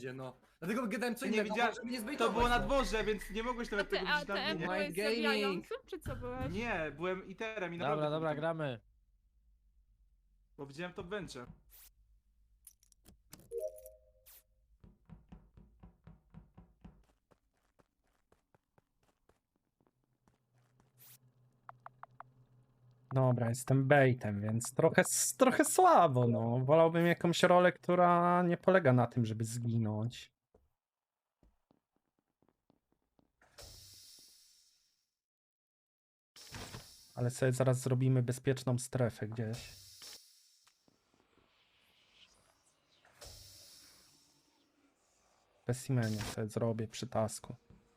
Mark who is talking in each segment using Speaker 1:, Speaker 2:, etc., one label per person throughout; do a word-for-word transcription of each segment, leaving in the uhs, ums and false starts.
Speaker 1: Gdzie no? Dlatego gadałem co
Speaker 2: Nie
Speaker 1: innego,
Speaker 2: widziałem-
Speaker 1: żeby nie
Speaker 2: To
Speaker 1: zbejtować.
Speaker 2: było na
Speaker 1: no.
Speaker 2: dworze, więc nie mogłeś
Speaker 3: A
Speaker 2: nawet
Speaker 3: ty
Speaker 2: tego widzieć na
Speaker 3: A T M
Speaker 2: adminie.
Speaker 3: byłeś
Speaker 1: Mind gaming.
Speaker 3: zabijającym, czy co byłeś?
Speaker 2: Nie, byłem iterem i naprawdę...
Speaker 4: Dobra, dobra,
Speaker 2: byłem-
Speaker 4: gramy.
Speaker 2: Bo widziałem to w bench'e.
Speaker 5: Dobra, jestem baitem, więc trochę, s- trochę słabo, no. Wolałbym jakąś rolę, która nie polega na tym, żeby zginąć. Ale sobie zaraz zrobimy bezpieczną strefę gdzieś. W specimenie sobie zrobię przy tasku.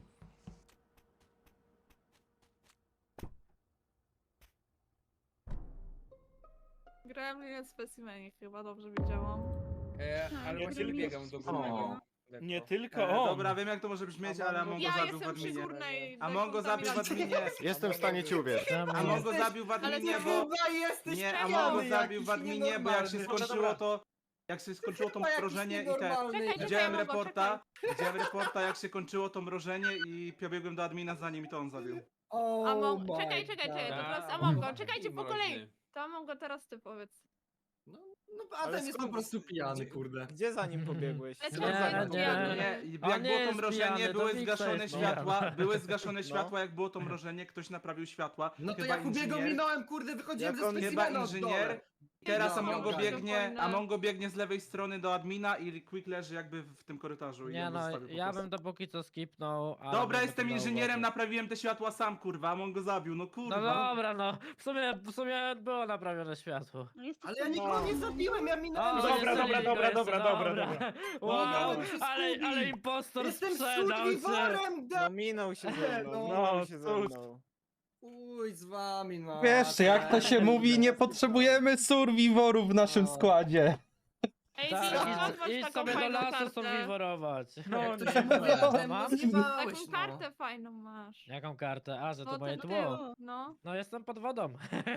Speaker 3: Grałem linię specimenie, chyba dobrze widziałam.
Speaker 6: E, ale
Speaker 3: Nie
Speaker 6: właśnie
Speaker 3: tylko-
Speaker 6: biegam do
Speaker 2: O.
Speaker 6: góry.
Speaker 7: Nie
Speaker 6: lekko.
Speaker 7: tylko
Speaker 2: E,
Speaker 7: on.
Speaker 2: dobra, wiem jak to może brzmieć, ale Amongo
Speaker 3: Ja
Speaker 2: zabił w
Speaker 3: jestem przy
Speaker 2: adminie.
Speaker 3: górnej
Speaker 2: Amongo zabił w
Speaker 3: dekontaminacji.
Speaker 2: adminie.
Speaker 8: Jestem w stanie ci uwierzyć.
Speaker 2: Amongo
Speaker 1: Jesteś-
Speaker 2: zabił w
Speaker 3: ale
Speaker 2: adminie,
Speaker 3: ty
Speaker 2: bo...
Speaker 1: Chyba jesteś
Speaker 2: Nie,
Speaker 1: pijany
Speaker 2: Amongo
Speaker 1: jakiś
Speaker 2: zabił w adminie, bo jak się
Speaker 1: nienormalny.
Speaker 2: skończyło to... Jak się skończyło to
Speaker 1: Chyba jakiś
Speaker 2: mrożenie i te...
Speaker 1: nienormalny.
Speaker 3: Czekaj, czekaj,
Speaker 2: Widziałem
Speaker 3: Amongo,
Speaker 2: reporta, widziałem reporta jak się kończyło to mrożenie i pobiegłem do admina za nim i to on zabił.
Speaker 1: Oh
Speaker 3: Among...
Speaker 1: my
Speaker 3: Czekaj, czekaj, czekaj, to
Speaker 1: God.
Speaker 3: teraz
Speaker 6: A,
Speaker 3: Amongo,
Speaker 6: Amongo.
Speaker 3: czekajcie po kolei. To Amongo, teraz ty powiedz.
Speaker 1: No, no a
Speaker 8: Ale
Speaker 1: ten jest po
Speaker 8: skąd-
Speaker 1: prostu pijany, kurde.
Speaker 8: Gdzie za nim pobiegłeś?
Speaker 3: Ale
Speaker 4: Nie,
Speaker 3: co za
Speaker 4: nie.
Speaker 3: pijany?
Speaker 2: Nie, i
Speaker 4: On
Speaker 2: jak
Speaker 4: nie
Speaker 2: było to
Speaker 4: jest
Speaker 2: mrożenie,
Speaker 4: pijany, to
Speaker 2: były
Speaker 4: Wiksa
Speaker 2: zgaszone
Speaker 4: jest
Speaker 2: światła,
Speaker 4: pijana.
Speaker 2: były zgaszone
Speaker 8: No.
Speaker 2: światła, jak było to mrożenie, ktoś naprawił światła.
Speaker 1: No to
Speaker 2: Chyba
Speaker 1: ja Hubiego
Speaker 2: inżynier-
Speaker 1: minąłem, kurde, wychodziłem
Speaker 8: Jak
Speaker 1: ze
Speaker 8: on-
Speaker 2: Chyba
Speaker 1: specimena od
Speaker 2: inżynier.
Speaker 1: dole.
Speaker 2: Teraz
Speaker 1: No,
Speaker 2: Amongo
Speaker 1: dobra.
Speaker 2: biegnie,
Speaker 3: Fajne.
Speaker 2: Amongo biegnie z lewej strony do admina i Quick leży jakby w tym korytarzu. i
Speaker 4: Nie
Speaker 2: on
Speaker 4: no,
Speaker 2: zostawił po
Speaker 4: ja
Speaker 2: prostu.
Speaker 4: bym to póki co skipnął. ale
Speaker 2: Dobra,
Speaker 4: będę
Speaker 2: jestem
Speaker 4: to
Speaker 2: inżynierem,
Speaker 4: zauważył.
Speaker 2: naprawiłem te światła sam, kurwa, Amongo zabił, no
Speaker 4: No
Speaker 2: kurwa.
Speaker 4: dobra, no. W sumie, w sumie było naprawione światło.
Speaker 1: Ale ja nikogo nie zabiłem, ja minąłem.
Speaker 4: O,
Speaker 1: że-
Speaker 7: Dobra,
Speaker 4: jest
Speaker 7: dobra,
Speaker 4: Eligo
Speaker 7: dobra,
Speaker 4: jeszcze,
Speaker 7: dobra, dobra, dobra.
Speaker 4: Wow,
Speaker 1: Minąłem się z
Speaker 4: ale,
Speaker 1: Kubi.
Speaker 4: ale impostor
Speaker 1: Jestem
Speaker 4: sprzedał się.
Speaker 1: survivorem, da...
Speaker 8: No minął się ze mną,
Speaker 1: No,
Speaker 8: minął się ze
Speaker 7: cóż.
Speaker 8: mną.
Speaker 1: Uj, z wami, no.
Speaker 5: Wiesz, jak to się mówi, nie potrzebujemy survivorów w naszym
Speaker 1: No.
Speaker 5: składzie.
Speaker 3: Ej,
Speaker 4: Tak,
Speaker 3: Dino,
Speaker 4: idź-
Speaker 3: masz
Speaker 4: idź
Speaker 3: taką
Speaker 4: sobie do
Speaker 3: fajną
Speaker 4: lasu
Speaker 3: kartę.
Speaker 4: survivorować.
Speaker 7: No,
Speaker 1: Jak to
Speaker 7: nie.
Speaker 1: się mówi,
Speaker 4: No,
Speaker 1: Adem,
Speaker 4: mam?
Speaker 1: no zjebałeś,
Speaker 3: Taką
Speaker 1: no.
Speaker 3: kartę fajną masz.
Speaker 4: Jaką kartę? A, że to
Speaker 3: No
Speaker 4: moje
Speaker 3: ten
Speaker 4: tło.
Speaker 3: tył, no.
Speaker 4: No jestem pod wodą.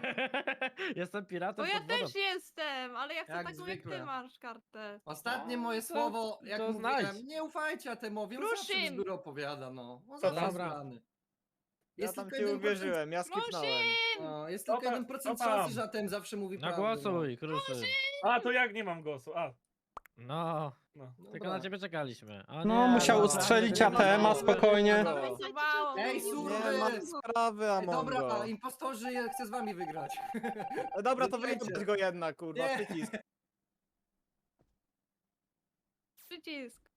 Speaker 4: jestem piratem
Speaker 3: No ja
Speaker 4: pod wodą.
Speaker 3: też jestem, ale ja chcę
Speaker 1: Jak
Speaker 3: taką jak ty
Speaker 1: zwykle.
Speaker 3: masz kartę.
Speaker 1: Ostatnie
Speaker 4: No,
Speaker 1: moje
Speaker 4: to-
Speaker 1: słowo, jak
Speaker 4: to
Speaker 1: mówiłem,
Speaker 4: znajdź.
Speaker 1: nie ufajcie Atemowi, on zawsze
Speaker 3: Kruszym.
Speaker 1: bzdury opowiada, no. On
Speaker 7: To
Speaker 1: zawsze jest
Speaker 4: dobra.
Speaker 1: zgrany.
Speaker 8: Ja
Speaker 1: Jest
Speaker 8: tam
Speaker 1: tylko
Speaker 8: ci
Speaker 1: jeden procent-
Speaker 8: uwierzyłem, ja skipnąłem.
Speaker 1: No, jest tylko
Speaker 7: Dobra,
Speaker 1: jeden procent
Speaker 7: dobra.
Speaker 1: szansy, że Atem zawsze mówi
Speaker 4: No
Speaker 1: prawdę.
Speaker 4: głosuj, kruszy.
Speaker 7: A, to jak nie mam głosu? A,
Speaker 4: No,
Speaker 7: no.
Speaker 1: No.
Speaker 4: tylko
Speaker 1: Dobra.
Speaker 4: na ciebie czekaliśmy. O
Speaker 5: No,
Speaker 4: nie,
Speaker 5: musiał
Speaker 4: no.
Speaker 5: ustrzelić
Speaker 1: no,
Speaker 5: A T M-a
Speaker 1: no,
Speaker 5: spokojnie.
Speaker 8: no.
Speaker 3: Zabało.
Speaker 1: Ej,
Speaker 8: Nie
Speaker 1: surwy!
Speaker 8: mam sprawy,
Speaker 1: Ej, dobra,
Speaker 8: Amongo.
Speaker 1: impostorzy, ja chcę z wami wygrać.
Speaker 8: No dobra, to
Speaker 1: Wygrajcie.
Speaker 8: wygrać go jedna, kurwa,
Speaker 1: Nie.
Speaker 8: przycisk.
Speaker 3: Przycisk.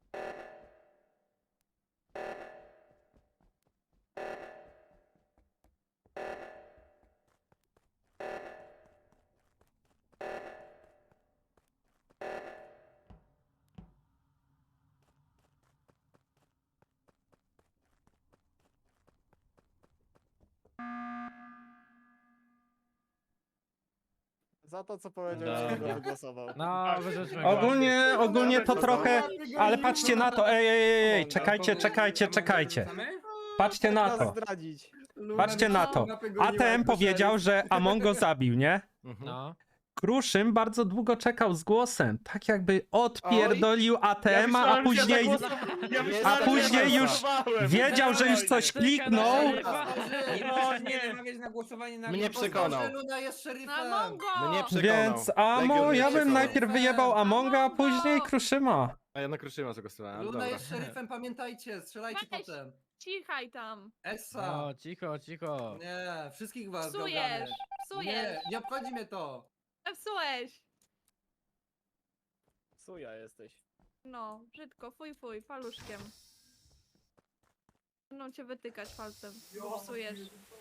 Speaker 8: Za to, co powiedziałeś,
Speaker 4: Dobra.
Speaker 8: go wygłosował.
Speaker 4: No, wyrzućmy go.
Speaker 5: Ogólnie, ogólnie to trochę... Ale patrzcie na to, ej, ej, ej, ej, czekajcie, czekajcie, czekajcie. Patrzcie na
Speaker 8: Trzeba
Speaker 5: to.
Speaker 8: zdradzić.
Speaker 5: Patrzcie na to. A T M powiedział, że Amongo zabił, nie?
Speaker 4: No.
Speaker 5: Kruszym bardzo długo czekał z głosem, tak jakby odpierdolił A T M-a, a później a później już wiedział, że już coś kliknął.
Speaker 6: Nie
Speaker 7: O,
Speaker 6: możesz
Speaker 7: nie.
Speaker 6: nie namawiać na głosowanie na
Speaker 8: Mnie
Speaker 6: impostora.
Speaker 8: przekonał.
Speaker 1: Impostorze, Luna jest szeryfem.
Speaker 3: Amongo!
Speaker 8: Mnie przekonał.
Speaker 5: Więc Amo,
Speaker 8: Legion
Speaker 5: ja
Speaker 8: mnie
Speaker 5: bym
Speaker 8: przekonał.
Speaker 5: najpierw wyjebał Amonga, a później Kruszyma.
Speaker 8: A ja na Kruszyma zagłosowałem,
Speaker 1: Luna
Speaker 8: dobra.
Speaker 1: jest szeryfem, pamiętajcie, strzelajcie
Speaker 3: Weź.
Speaker 1: potem.
Speaker 3: Cichaj tam.
Speaker 1: Essa.
Speaker 4: No, cicho, cicho.
Speaker 1: Nie, wszystkich was
Speaker 3: Psujesz.
Speaker 1: gałgamy.
Speaker 3: Psujesz.
Speaker 1: Nie, nie obchodzi mnie to.
Speaker 3: Psułeś.
Speaker 8: Suja jesteś.
Speaker 3: No, brzydko, fuj, fuj, paluszkiem. Będą cię wytykać palcem, bo psujesz.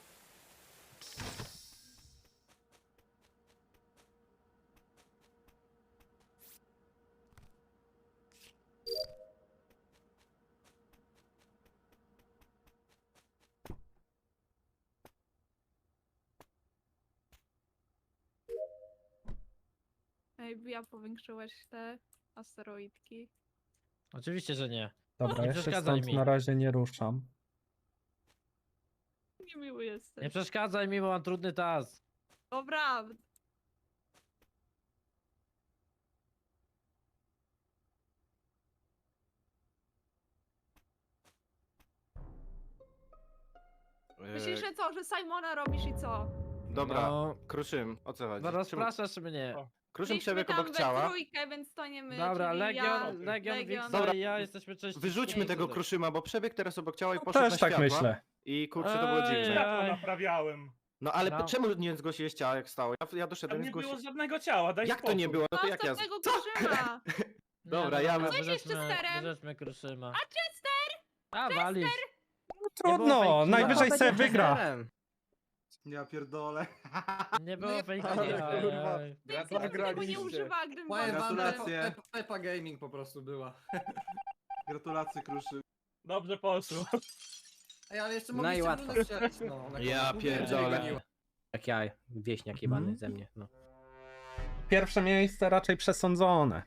Speaker 3: Ej, ja powiększyłeś te asteroidki.
Speaker 4: Oczywiście, że nie.
Speaker 5: Dobra,
Speaker 4: Nie
Speaker 5: jeszcze
Speaker 4: przeszkadzaj
Speaker 5: stąd
Speaker 4: mi.
Speaker 5: na razie nie ruszam.
Speaker 3: Niemiły jesteś.
Speaker 4: Nie przeszkadzaj mi, bo mam trudny task.
Speaker 3: Dobra. Myślisz, że co, że Simona robisz i co?
Speaker 8: Dobra,
Speaker 4: No,
Speaker 8: Kruszym, o co chodzi?
Speaker 4: no
Speaker 8: Czemu-
Speaker 4: rozpraszasz mnie.
Speaker 7: O.
Speaker 8: Kruszym
Speaker 3: Byliśmy
Speaker 8: przebiegł
Speaker 3: tam
Speaker 8: obok
Speaker 3: we
Speaker 8: ciała.
Speaker 3: trójkę, więc to nie my,
Speaker 4: Dobra,
Speaker 3: czyli
Speaker 4: Legion,
Speaker 3: ja,
Speaker 4: Legion, Wiksa
Speaker 8: Dobra.
Speaker 4: i ja jesteśmy częścią.
Speaker 8: Wyrzućmy tego
Speaker 4: tutaj.
Speaker 8: Kruszyma, bo przebiegł teraz obok ciała i poszedł na
Speaker 5: Też tak
Speaker 8: światła.
Speaker 5: myślę.
Speaker 8: I kurczę, to było
Speaker 4: Ej,
Speaker 8: dziwne.
Speaker 7: Światło
Speaker 4: Ej.
Speaker 7: naprawiałem.
Speaker 8: No ale
Speaker 4: No.
Speaker 8: czemu nie zgłosiłeś ciała, jak stało? Ja, ja
Speaker 7: Tam
Speaker 8: doszedłem i
Speaker 7: nie było
Speaker 8: zgłosiłem.
Speaker 7: żadnego ciała, daj
Speaker 8: Jak to
Speaker 7: spokój.
Speaker 8: nie było? No to
Speaker 3: Masz
Speaker 8: jak ja...
Speaker 3: tego Kruszyma.
Speaker 4: Nie,
Speaker 8: Dobra,
Speaker 4: no,
Speaker 8: ja-
Speaker 4: dobra,
Speaker 3: Co jest
Speaker 4: wyrzućmy-
Speaker 3: Chesterem?
Speaker 4: Wyrzućmy Kruszyma.
Speaker 3: A Chester?
Speaker 4: A, walisz.
Speaker 5: Trudno,
Speaker 4: fake
Speaker 5: najwyżej
Speaker 4: killa.
Speaker 5: se wygra.
Speaker 2: Ja pierdolę.
Speaker 4: Nie było fake
Speaker 8: Ale
Speaker 4: killa,
Speaker 8: kurwa.
Speaker 4: ej.
Speaker 3: Nikt tego nie
Speaker 8: Zagraliście.
Speaker 3: używa, gdybym
Speaker 1: Powiem wam,
Speaker 2: Gratulacje.
Speaker 1: Pepa, Pepa Gaming po prostu była.
Speaker 2: Gratulacje, Kruszy.
Speaker 7: Dobrze poszło.
Speaker 1: Ej, ale jeszcze
Speaker 9: No i
Speaker 1: mogliście
Speaker 9: łatwo.
Speaker 1: Lunę strzelać, no. na
Speaker 8: Ja
Speaker 1: końcu.
Speaker 8: pierdolę.
Speaker 9: Jak ja, wieśniak jebany ze mnie. No.
Speaker 5: Pierwsze miejsce raczej przesądzone.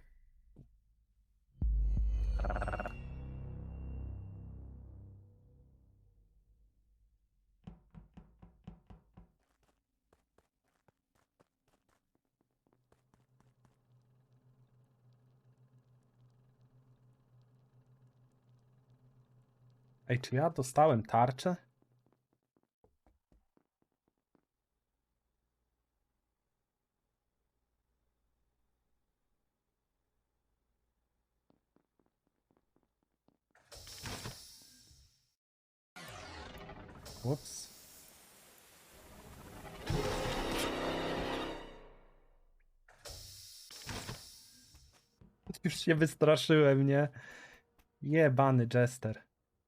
Speaker 5: Ej, czy ja dostałem tarczę? Ups. Już się wystraszyłem, nie? Jebany Jester.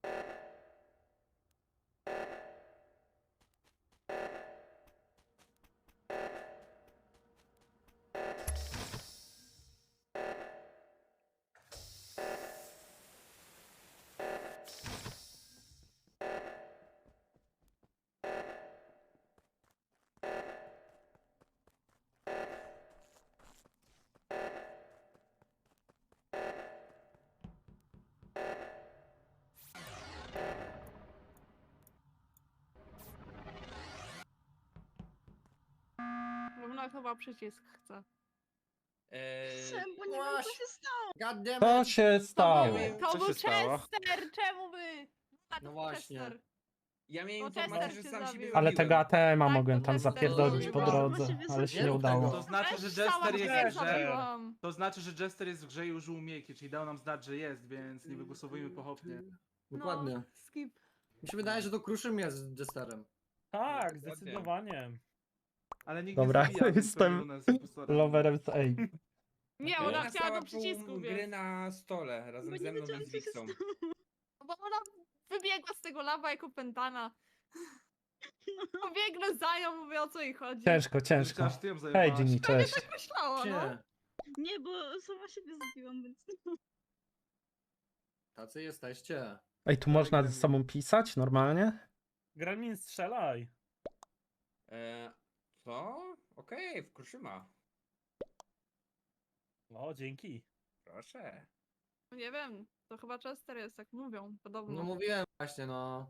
Speaker 3: Luna chyba przycisk chce.
Speaker 6: Eee,
Speaker 3: Czemu
Speaker 1: nie wiem, co się
Speaker 3: stało?
Speaker 1: God damn
Speaker 5: Co
Speaker 1: it.
Speaker 5: się stało?
Speaker 8: wiem,
Speaker 3: To
Speaker 8: co
Speaker 3: był
Speaker 8: się stało.
Speaker 3: Chester, czemu wy? A, to
Speaker 1: No
Speaker 3: był
Speaker 1: właśnie.
Speaker 3: Chester.
Speaker 6: ja miałem
Speaker 3: Bo
Speaker 6: informację,
Speaker 3: Chester
Speaker 6: że
Speaker 3: cię
Speaker 6: sam siebie
Speaker 3: zabił.
Speaker 5: Ale
Speaker 6: zabiłem.
Speaker 5: tego A T M a
Speaker 3: Tak,
Speaker 5: mogłem
Speaker 3: to
Speaker 5: tam
Speaker 3: Chester
Speaker 5: zapierdolić po
Speaker 1: zabił.
Speaker 5: drodze, ale się
Speaker 1: Nie
Speaker 5: nie
Speaker 1: rób
Speaker 5: udało.
Speaker 2: To znaczy, że
Speaker 3: Też sama
Speaker 2: Jester
Speaker 3: siebie
Speaker 2: jest w grze.
Speaker 3: zabiłam.
Speaker 2: To znaczy, że Jester jest w grze i użył umiejki, czyli dał nam znać, że jest, więc nie wygłosowujmy pochopnie.
Speaker 1: Dokładnie.
Speaker 3: No, skip.
Speaker 1: Mi się wydaje, że to Kruszym jest Jesterem.
Speaker 7: Tak,
Speaker 6: Dokładnie.
Speaker 7: zdecydowanie.
Speaker 2: Ale nikt
Speaker 5: Dobra,
Speaker 2: nie zabija, więc
Speaker 5: jestem
Speaker 2: pewnie Luna jest impostorem.
Speaker 5: Loverem z A.
Speaker 3: Nie,
Speaker 6: Ona
Speaker 3: ona chciała
Speaker 6: stała
Speaker 3: do przycisku,
Speaker 6: pół
Speaker 3: więc...
Speaker 6: gry na stole razem ze mną i z Wixą.
Speaker 3: Bo ona wybiegła z tego lawa jako pętana. Pobiegnę za nią, mówię o co jej chodzi.
Speaker 5: Ciężko, ciężko.
Speaker 2: Aż ty ją
Speaker 5: Hej,
Speaker 2: zajebałaś.
Speaker 5: Ginny, cześć.
Speaker 3: Tak myślała, no.
Speaker 1: Nie.
Speaker 10: Nie, bo sama siebie zabiłam, więc...
Speaker 1: Tacy jesteście.
Speaker 5: Ej, tu można ze sobą pisać normalnie?
Speaker 7: Gramin, strzelaj.
Speaker 6: Eee, co? Okej, w Kruszyma.
Speaker 7: O, dzięki.
Speaker 6: Proszę.
Speaker 3: Nie wiem, to chyba Chester jest, tak mówią, podobno.
Speaker 1: No mówiłem właśnie, no.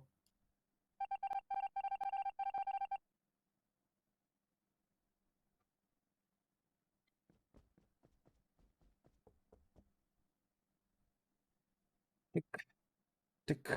Speaker 5: Tyk. Tyk.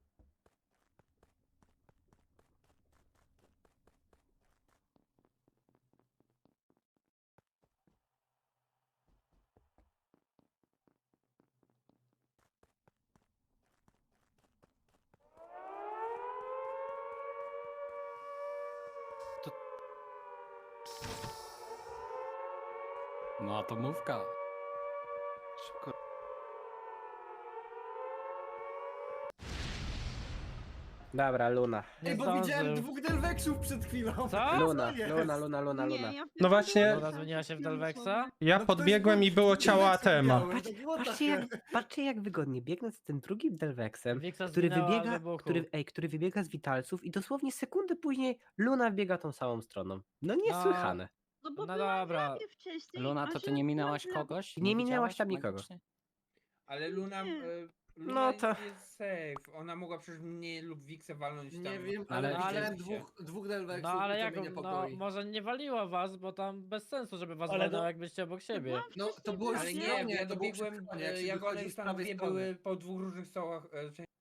Speaker 9: No, atomówka.
Speaker 8: Szybko.
Speaker 9: Dobra, Luna.
Speaker 4: Nie
Speaker 1: Ej, bo
Speaker 4: zdążył.
Speaker 1: widziałem dwóch Delveksów przed chwilą.
Speaker 4: Co?
Speaker 9: Luna,
Speaker 1: jest?
Speaker 9: Luna, Luna, Luna,
Speaker 10: Nie,
Speaker 9: Luna.
Speaker 10: ja
Speaker 5: No właśnie-
Speaker 4: Luna zmieniła się w Delvexa?
Speaker 5: Ja
Speaker 1: No
Speaker 5: podbiegłem i było ciało A T M a.
Speaker 9: Patrzcie jak, patrzcie jak wygodnie, biegnę z tym drugim Delvexem,
Speaker 4: Wiksa
Speaker 9: który
Speaker 4: zginęła w
Speaker 9: wybiega,
Speaker 4: wybuchu.
Speaker 9: który, ej, który wybiega z Witalców i dosłownie sekundę później Luna biega tą samą stroną. No niesłychane.
Speaker 10: No bo
Speaker 4: No
Speaker 10: byłam
Speaker 4: dobra.
Speaker 10: w labie wcześniej.
Speaker 9: Luna,
Speaker 10: a
Speaker 9: to ty
Speaker 10: się
Speaker 9: nie minęłaś
Speaker 10: byłam w labie.
Speaker 9: kogoś? Nie minęłaś tam nikogo.
Speaker 6: Ale Luna...
Speaker 10: Nie.
Speaker 6: E, Luna
Speaker 9: No
Speaker 6: no
Speaker 9: to-
Speaker 6: jest safe. Ona mogła przecież mnie lub Wixę walnąć tam.
Speaker 1: Nie wiem,
Speaker 9: Ale-
Speaker 1: ale, widziałem
Speaker 6: ale-
Speaker 1: dwóch, dwóch Delveksów
Speaker 4: No ale
Speaker 1: i to
Speaker 4: jak,
Speaker 1: mnie
Speaker 4: no
Speaker 1: niepokoi.
Speaker 4: może nie waliło was, bo tam bez sensu, żeby was
Speaker 7: Ale
Speaker 4: waliło,
Speaker 7: no-
Speaker 4: jak byście obok siebie.
Speaker 1: No to było
Speaker 6: Ale
Speaker 1: już
Speaker 6: nie,
Speaker 1: stronie,
Speaker 6: ja
Speaker 1: to było przy
Speaker 6: dobiegłem,
Speaker 1: stronie, jak
Speaker 6: e,
Speaker 1: się
Speaker 6: jak
Speaker 1: wychodzi
Speaker 6: one
Speaker 1: z
Speaker 6: tam
Speaker 1: prawej
Speaker 6: dwie
Speaker 1: strony.
Speaker 6: były po dwóch różnych stołach, e,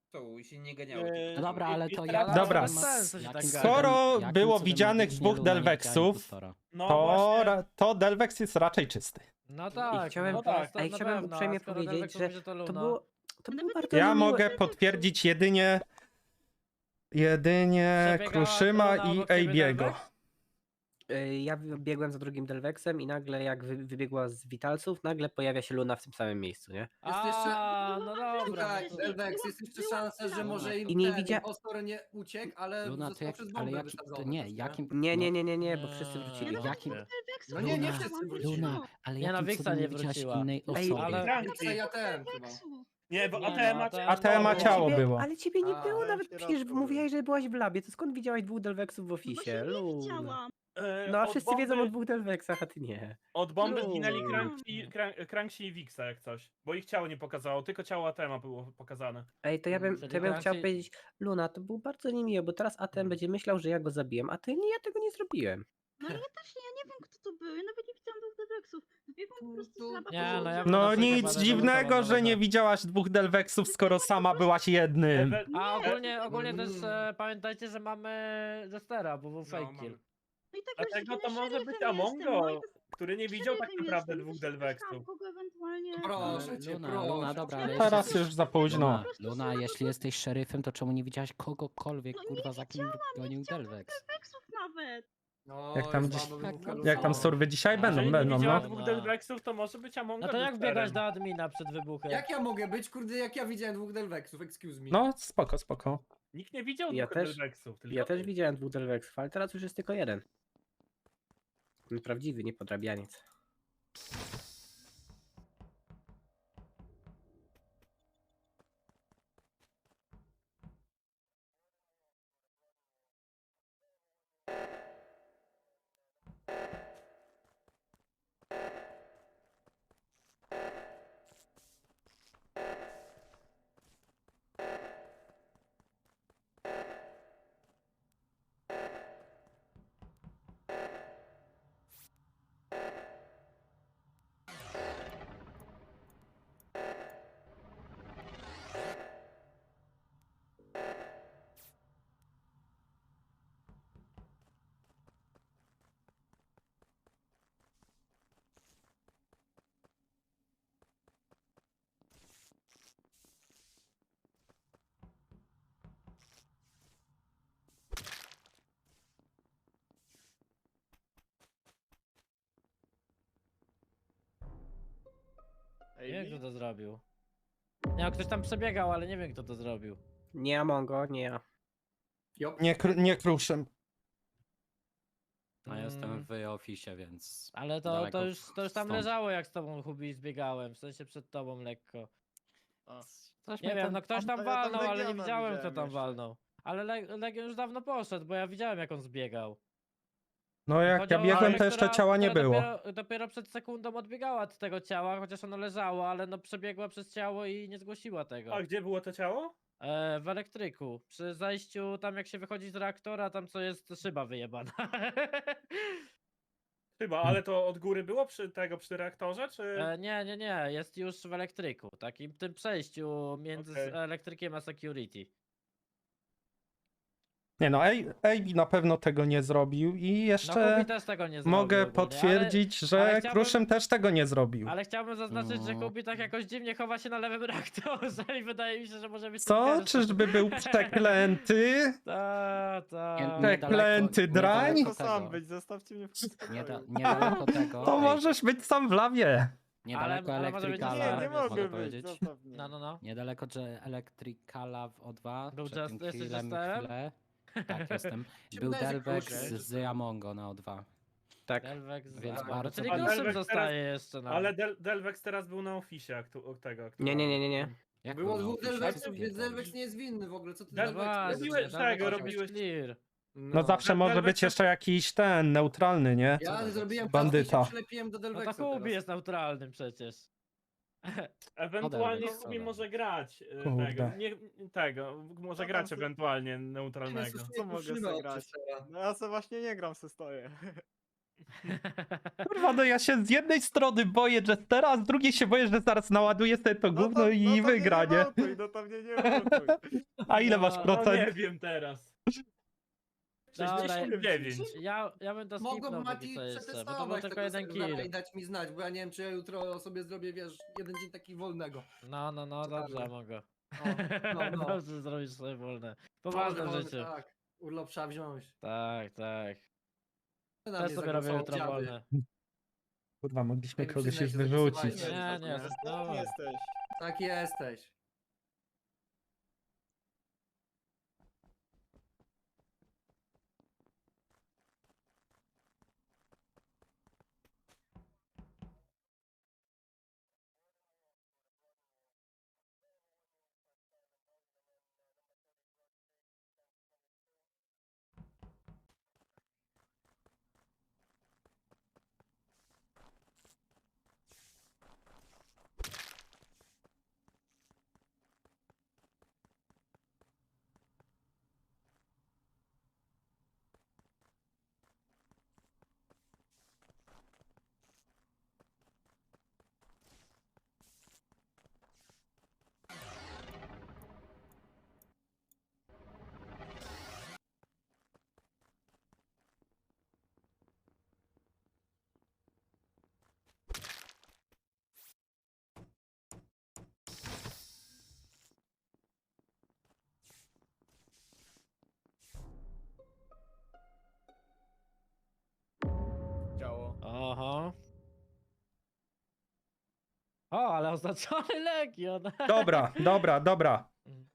Speaker 6: stołu i się nie ganiały.
Speaker 7: Eee,
Speaker 9: No dobra, ale to
Speaker 7: i
Speaker 9: ja...
Speaker 7: teraz-
Speaker 5: Dobra,
Speaker 4: bez sensu się tak
Speaker 9: Jakim
Speaker 4: gada.
Speaker 5: Skoro
Speaker 9: cudem- jakim
Speaker 5: było
Speaker 9: cudem
Speaker 5: widzianych
Speaker 9: magicznie
Speaker 5: dwóch
Speaker 9: Luna nie widziała
Speaker 5: Delvexów,
Speaker 9: impostora?
Speaker 7: No
Speaker 5: to,
Speaker 7: właśnie.
Speaker 5: ra- to Delvex jest raczej czysty.
Speaker 4: No tak,
Speaker 9: chciałem-
Speaker 4: no
Speaker 7: no tak,
Speaker 4: to
Speaker 9: a i
Speaker 4: na
Speaker 9: chciałem
Speaker 4: pewno,
Speaker 9: uprzejmie
Speaker 4: a skoro
Speaker 9: powiedzieć,
Speaker 4: Delvex
Speaker 9: że
Speaker 4: mówi, to
Speaker 9: To
Speaker 4: Luna.
Speaker 9: było, to było
Speaker 10: Nawet
Speaker 9: bardzo
Speaker 5: Ja
Speaker 9: niemiłe.
Speaker 5: mogę potwierdzić jedynie jedynie
Speaker 4: Przebiegała
Speaker 5: Kruszyma
Speaker 4: Luna
Speaker 5: i
Speaker 4: obok ciebie,
Speaker 5: Ejbiego.
Speaker 4: Delvex?
Speaker 9: Y, Ja wy- biegłem za drugim Delvexem i nagle jak wy, wybiegła z Witalców, nagle pojawia się Luna w tym samym miejscu, nie?
Speaker 1: Jest jeszcze-
Speaker 4: A, no dobra.
Speaker 1: Słuchaj,
Speaker 4: no to-
Speaker 1: Delvex, jest jeszcze szansa, że może im
Speaker 9: I nie
Speaker 1: ten
Speaker 9: widzia-
Speaker 1: impostor nie uciekł, ale
Speaker 9: Luna, to
Speaker 1: został
Speaker 9: jak,
Speaker 1: przez
Speaker 9: ale
Speaker 1: bombę
Speaker 9: jaki, to
Speaker 1: wysadzony.
Speaker 9: nie,
Speaker 1: też,
Speaker 9: jakim...
Speaker 4: No.
Speaker 9: Nie, nie, nie, nie, nie, bo wszyscy
Speaker 4: Nie,
Speaker 9: wrócili.
Speaker 4: no
Speaker 9: Jakim...
Speaker 4: nie.
Speaker 1: No nie, nie wszyscy wrócili.
Speaker 9: Luna, ale
Speaker 4: Nie, no,
Speaker 9: jakim
Speaker 4: Wixa
Speaker 9: cudem
Speaker 4: nie
Speaker 9: nie widziałaś
Speaker 4: wróciła.
Speaker 9: innej Ej, osoby?
Speaker 7: ale-
Speaker 1: Wixa ja ten chyba.
Speaker 7: Nie, bo
Speaker 4: Nie,
Speaker 7: A T M
Speaker 4: no,
Speaker 7: ma...
Speaker 4: to-
Speaker 5: A T M ma
Speaker 9: Ale
Speaker 5: ciało
Speaker 9: ciebie,
Speaker 5: było.
Speaker 9: ale ciebie nie
Speaker 1: A,
Speaker 9: było,
Speaker 1: ja
Speaker 9: nawet przecież mówiłeś, że byłaś w labie, to skąd widziałaś dwóch Delvexów w ofisie?
Speaker 10: No
Speaker 9: Luna.
Speaker 10: widziałam.
Speaker 7: Eee,
Speaker 9: No a
Speaker 7: od
Speaker 9: wszyscy
Speaker 7: bomby-
Speaker 9: wiedzą o dwóch Delvexach, a ty nie.
Speaker 7: Od bomby
Speaker 9: Luna.
Speaker 7: zginęli Cranksy, Crank- Cranksy i Wixa jak coś. Bo ich ciało nie pokazało, tylko ciało A T M a było pokazane.
Speaker 9: Ej, to ja bym,
Speaker 4: Czyli
Speaker 9: to ja bym chciał
Speaker 4: raczej-
Speaker 9: powiedzieć, Luna, to było bardzo niemiłe, bo teraz A T M będzie myślał, że ja go zabiłem, a ty nie, ja tego nie zrobiłem.
Speaker 10: No ale ja też nie, ja nie wiem kto to był, ja nawet nie widziałam tych Delvexów. Biegłam po prostu z laba.
Speaker 4: Nie, no ja-
Speaker 5: No
Speaker 4: Dlaczego
Speaker 5: nic
Speaker 4: badać
Speaker 5: dziwnego,
Speaker 4: losowo,
Speaker 5: że
Speaker 4: no
Speaker 5: nie
Speaker 4: tak.
Speaker 5: widziałaś dwóch Delvexów, skoro sama byłaś jednym.
Speaker 7: Ewe-
Speaker 4: A ogólnie, ogólnie też
Speaker 1: Mm.
Speaker 4: e, pamiętajcie, że mamy Jestera, bo był
Speaker 6: No,
Speaker 4: fake
Speaker 6: mamy.
Speaker 4: kill.
Speaker 10: No i tak
Speaker 7: Dlatego
Speaker 10: właśnie,
Speaker 7: to
Speaker 10: no,
Speaker 7: może
Speaker 10: szeryfem
Speaker 7: być
Speaker 10: jestem,
Speaker 7: Amongo,
Speaker 10: no i to-
Speaker 7: który nie widział tak
Speaker 10: szeryfem
Speaker 7: naprawdę
Speaker 10: jestem,
Speaker 7: dwóch
Speaker 10: to się
Speaker 7: Delvexów.
Speaker 10: spotkałam kogo ewentualnie...
Speaker 1: Proszę cię,
Speaker 9: Luna,
Speaker 1: proszę.
Speaker 9: Luna, dobra, ale
Speaker 5: Teraz
Speaker 9: jeśli-
Speaker 5: już za późno.
Speaker 9: Luna, Luna, jeśli jesteś szeryfem, to czemu nie widziałaś kogokolwiek,
Speaker 10: No nie
Speaker 9: kurwa, za kim gonił Delvex?
Speaker 10: Delvexów nawet.
Speaker 1: No,
Speaker 5: Jak tam
Speaker 1: jest
Speaker 5: dziś-
Speaker 1: słabo wybucha
Speaker 5: Jak tam
Speaker 1: lufa.
Speaker 5: surwy dzisiaj będą,
Speaker 7: Jeżeli
Speaker 5: będą,
Speaker 7: nie widziała
Speaker 5: no.
Speaker 7: dwóch
Speaker 4: No.
Speaker 7: Delvexów, to może być Amongo
Speaker 4: No to jak
Speaker 7: Jesterem.
Speaker 4: biegasz do admina przed wybuchem?
Speaker 1: Jak ja mogę być, kurde, jak ja widziałem dwóch Delvexów, excuse me.
Speaker 5: No, spoko, spoko.
Speaker 7: Nikt nie widział
Speaker 9: Ja
Speaker 7: dwóch
Speaker 9: też-
Speaker 7: Delvexów, tylko
Speaker 9: Ja
Speaker 7: ty.
Speaker 9: też widziałem dwóch Delvexów, ale teraz już jest tylko jeden. Ten prawdziwy, nie podrabianiec.
Speaker 4: Nie wiem kto to zrobił. Nie, no, ktoś tam przebiegał, ale nie wiem kto to zrobił.
Speaker 9: Nie Amongo, nie ja.
Speaker 1: Jop.
Speaker 5: Nie, kr- nie kruszem.
Speaker 9: A jestem
Speaker 4: Mm,
Speaker 9: w oficie, więc...
Speaker 4: Ale to,
Speaker 9: daleko
Speaker 4: to, już, to już tam
Speaker 9: stąd.
Speaker 4: leżało jak z tobą Hubi zbiegałem, w sensie przed tobą lekko.
Speaker 11: Coś
Speaker 4: Nie
Speaker 11: mnie
Speaker 4: wiem, no ktoś tam
Speaker 11: ja
Speaker 4: walnął, ale nie
Speaker 11: Legiona
Speaker 4: widziałem kto
Speaker 11: widziałem
Speaker 4: tam
Speaker 11: jeszcze.
Speaker 4: walnął. Ale Le Legion już dawno poszedł, bo ja widziałem jak on zbiegał.
Speaker 5: No jak
Speaker 4: Chodzi
Speaker 5: ja
Speaker 4: o
Speaker 5: biegłem,
Speaker 4: osobę,
Speaker 5: to jeszcze
Speaker 4: która-
Speaker 5: ciała nie
Speaker 4: która
Speaker 5: było.
Speaker 4: Dopiero, dopiero przed sekundą odbiegała od tego ciała, chociaż ono leżało, ale no przebiegła przez ciało i nie zgłosiła tego.
Speaker 7: A gdzie było to ciało?
Speaker 4: E, w elektryku. Przy zajściu tam jak się wychodzi z reaktora, tam co jest szyba wyjebana.
Speaker 7: Chyba, ale to od góry było przy tego, przy reaktorze, czy...
Speaker 4: e, nie, nie, nie, jest już w elektryku. Takim tym przejściu między
Speaker 7: Okej.
Speaker 4: z elektrykiem a security.
Speaker 5: Nie no, A B na pewno tego nie zrobił i
Speaker 4: No
Speaker 5: jeszcze
Speaker 4: Hubi też tego nie zrobił.
Speaker 5: mogę
Speaker 4: ogólnie,
Speaker 5: potwierdzić,
Speaker 4: ale
Speaker 5: że
Speaker 4: chciałbym-
Speaker 5: Kruszym też tego nie zrobił.
Speaker 4: Ale, ale chciałbym zaznaczyć, że
Speaker 9: No.
Speaker 4: Hubi tak jakoś dziwnie chowa się na lewym reaktorze i wydaje mi się, że może być
Speaker 5: Co?
Speaker 4: tym pierwszym.
Speaker 5: Czyżby był przeklęty?
Speaker 4: Ta, ta.
Speaker 9: Nie-
Speaker 5: Przeklęty
Speaker 9: niedaleko-
Speaker 5: drań?
Speaker 9: niedaleko
Speaker 11: To sam
Speaker 9: tego.
Speaker 11: być, zostawcie mnie w
Speaker 9: Nie da,
Speaker 11: spokoju.
Speaker 9: niedaleko tego.
Speaker 5: To
Speaker 9: ej,
Speaker 5: możesz być sam w lawie.
Speaker 9: Niedaleko
Speaker 4: Ale- ale może być
Speaker 9: elektrykala.
Speaker 11: Nie, nie
Speaker 4: Mogę
Speaker 11: mogę być,
Speaker 9: powiedzieć.
Speaker 11: zostaw mnie.
Speaker 4: No, no, no.
Speaker 9: Niedaleko że elektrykala w O dwa.
Speaker 4: Był
Speaker 9: przed
Speaker 4: just-
Speaker 9: tym
Speaker 4: jesteś
Speaker 9: chwilem,
Speaker 4: Jesterem?
Speaker 9: chwilę. Tak, jestem.
Speaker 1: Się
Speaker 9: Był
Speaker 1: wydaje, że
Speaker 9: Delvex
Speaker 1: Kruszym.
Speaker 9: z Amongo na O dwa.
Speaker 5: Tak.
Speaker 4: Delvex z...
Speaker 9: Więc
Speaker 4: A,
Speaker 9: bardzo
Speaker 4: czyli
Speaker 7: dobrze.
Speaker 4: Kruszym
Speaker 7: Delvex
Speaker 4: zostaje jeszcze na...
Speaker 7: Ale Del Delvex teraz był na ofisie aktu od tego.
Speaker 9: Nie, nie, nie, nie, nie. Jak
Speaker 1: Było
Speaker 9: to na
Speaker 1: dwóch
Speaker 9: oficie?
Speaker 1: Delvexów,
Speaker 9: Co
Speaker 1: więc
Speaker 9: pierdolisz?
Speaker 1: Delvex nie jest winny w ogóle, co ty
Speaker 7: Del-
Speaker 1: Delvex
Speaker 4: Właśnie,
Speaker 7: robiłeś
Speaker 1: robiłeś?
Speaker 7: tego,
Speaker 4: Delvex musi być
Speaker 7: robiłeś-
Speaker 4: clear.
Speaker 5: No zawsze może
Speaker 7: Delvex
Speaker 5: być
Speaker 7: to-
Speaker 5: jeszcze jakiś ten, neutralny, nie?
Speaker 1: Ja
Speaker 9: Delvex?
Speaker 1: zrobiłem
Speaker 5: Bandyta.
Speaker 1: taski i się przylepiłem do
Speaker 4: No
Speaker 1: Delvexa
Speaker 4: to Hubi
Speaker 1: teraz.
Speaker 4: jest neutralnym przecież.
Speaker 7: Ewentualnie
Speaker 9: Delvex,
Speaker 7: Hubi
Speaker 9: co
Speaker 7: może grać e,
Speaker 5: Kurde.
Speaker 7: tego. Nie, tego, może
Speaker 11: tam
Speaker 7: grać
Speaker 11: se-
Speaker 7: ewentualnie neutralnego.
Speaker 11: Co mogę zagrać? No ja se właśnie nie gram, se stoję.
Speaker 5: Kurwa, no ja się z jednej strony boję Jestera, a z drugiej się boję, że zaraz naładuję sobie to gówno i wygra, nie?
Speaker 11: No to mnie nie wołtuj.
Speaker 5: A ile masz
Speaker 4: No,
Speaker 7: No nie
Speaker 5: procent?
Speaker 7: wiem teraz.
Speaker 4: Dobra,
Speaker 7: sześćdziesiąt dziewięć.
Speaker 4: Ja, ja bym to
Speaker 1: Mogłem
Speaker 4: skipnął
Speaker 1: Mati
Speaker 4: póki co jeszcze, bo to był
Speaker 1: przetestować
Speaker 4: tylko
Speaker 1: tego
Speaker 4: jeden
Speaker 1: serwera
Speaker 4: kill.
Speaker 1: i dać mi znać, bo ja nie wiem, czy ja jutro sobie zrobię, wiesz, jeden dzień taki wolnego.
Speaker 4: No, no, no,
Speaker 1: Ciekawe.
Speaker 4: dobrze, mogę.
Speaker 1: No, no, no.
Speaker 4: Dobrze zrobisz sobie wolne. Poważne
Speaker 1: Wolne,
Speaker 4: życie.
Speaker 1: Tak, urlop trzeba wziąć.
Speaker 4: Tak, tak.
Speaker 1: Ty na
Speaker 4: Też
Speaker 1: mnie
Speaker 4: sobie robię
Speaker 1: zagłosował,
Speaker 4: jutro
Speaker 1: dziady.
Speaker 4: wolne.
Speaker 5: Kurwa, mogliśmy
Speaker 1: Ej,
Speaker 5: kogoś
Speaker 1: przyznaj
Speaker 5: już
Speaker 1: się, że
Speaker 5: wyrzucić.
Speaker 1: głosowałeś.
Speaker 4: Nie, nie,
Speaker 11: Tak
Speaker 4: no.
Speaker 11: jesteś.
Speaker 1: Tak jesteś.
Speaker 11: Ciało.
Speaker 4: Aha. O, ale oznaczony Legion.
Speaker 5: Dobra, dobra, dobra.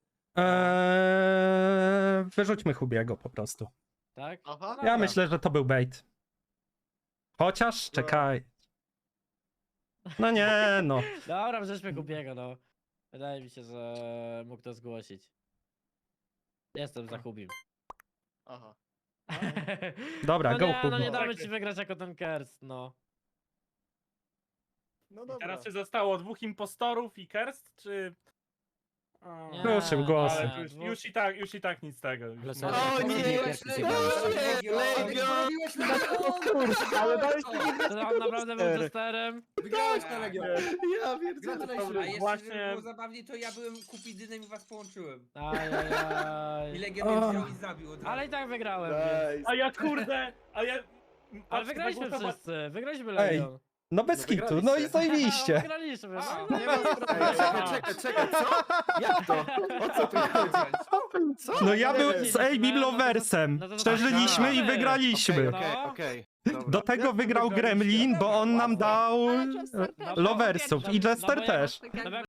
Speaker 5: Eee, wyrzućmy Hubiego po prostu.
Speaker 4: Tak?
Speaker 11: Aha.
Speaker 5: Ja myślę, że to był bait. Chociaż, czekaj. No nie, no.
Speaker 4: Dobra, wrzeźmy Kubiego, no. Wydaje mi się, że mógł to zgłosić. Jestem za Kubim.
Speaker 11: Aha.
Speaker 5: Dobra,
Speaker 4: no
Speaker 5: go
Speaker 4: nie, no nie
Speaker 5: Hugo.
Speaker 4: damy ci wygrać jako ten Kerst, no.
Speaker 11: No dobra.
Speaker 7: Teraz czy zostało dwóch impostorów i Kerst, czy... O,
Speaker 4: Nie,
Speaker 5: Proszę, głosy.
Speaker 7: ale
Speaker 4: nie,
Speaker 7: już,
Speaker 4: dwóch-
Speaker 7: już, i tak, już i tak nic z tego. Już
Speaker 4: Ale
Speaker 7: nie-
Speaker 4: co-
Speaker 8: O nie,
Speaker 1: Zrobiłeś
Speaker 8: nie,
Speaker 1: Legion,
Speaker 8: nie,
Speaker 1: Legion,
Speaker 8: Legion.
Speaker 1: zrobiłeś Legion!
Speaker 11: ale dałeś mi
Speaker 4: Czy on naprawdę był testerem?
Speaker 1: Wygrałeś na Legion.
Speaker 8: Ja pierdzielę.
Speaker 1: Gratulacje.
Speaker 6: A jeszcze,
Speaker 7: Właśnie-
Speaker 6: żeby było zabawniej, to ja byłem Kupidynem i was połączyłem. I
Speaker 4: Ajajaj.
Speaker 6: Legion mnie wziął i zabił od razu.
Speaker 4: Ale i tak wygrałem, więc.
Speaker 11: Nice.
Speaker 7: A ja kurde, a ja...
Speaker 4: Ale
Speaker 7: patrz,
Speaker 4: wygraliśmy
Speaker 7: zagłosowa-
Speaker 4: wszyscy, wygraliśmy
Speaker 5: Ej,
Speaker 4: Legion.
Speaker 5: No bez
Speaker 8: No
Speaker 5: kitu, no i
Speaker 8: wygraliście.
Speaker 5: zajebiście.
Speaker 4: Wygraliśmy, no.
Speaker 6: A,
Speaker 8: Nie ma sprawy. Czekaj, czekaj, czekaj, co? Jak to? O co tu chodzi? Co?
Speaker 5: No ja
Speaker 8: Nie
Speaker 5: byłem
Speaker 8: wiem.
Speaker 5: z Abim Loversem.
Speaker 4: No to-
Speaker 5: Przeżyliśmy i
Speaker 4: Aha.
Speaker 5: wygraliśmy.
Speaker 8: Okej, okej,
Speaker 4: No.
Speaker 8: okej. Dobra.
Speaker 5: Do tego wygrał Gremlin, bo on nam dał
Speaker 3: Ale Jester też.
Speaker 4: No bo-
Speaker 5: Loversów i
Speaker 4: no bo
Speaker 5: Jester
Speaker 4: ja-
Speaker 5: też.
Speaker 3: Tak jakby-
Speaker 4: No bo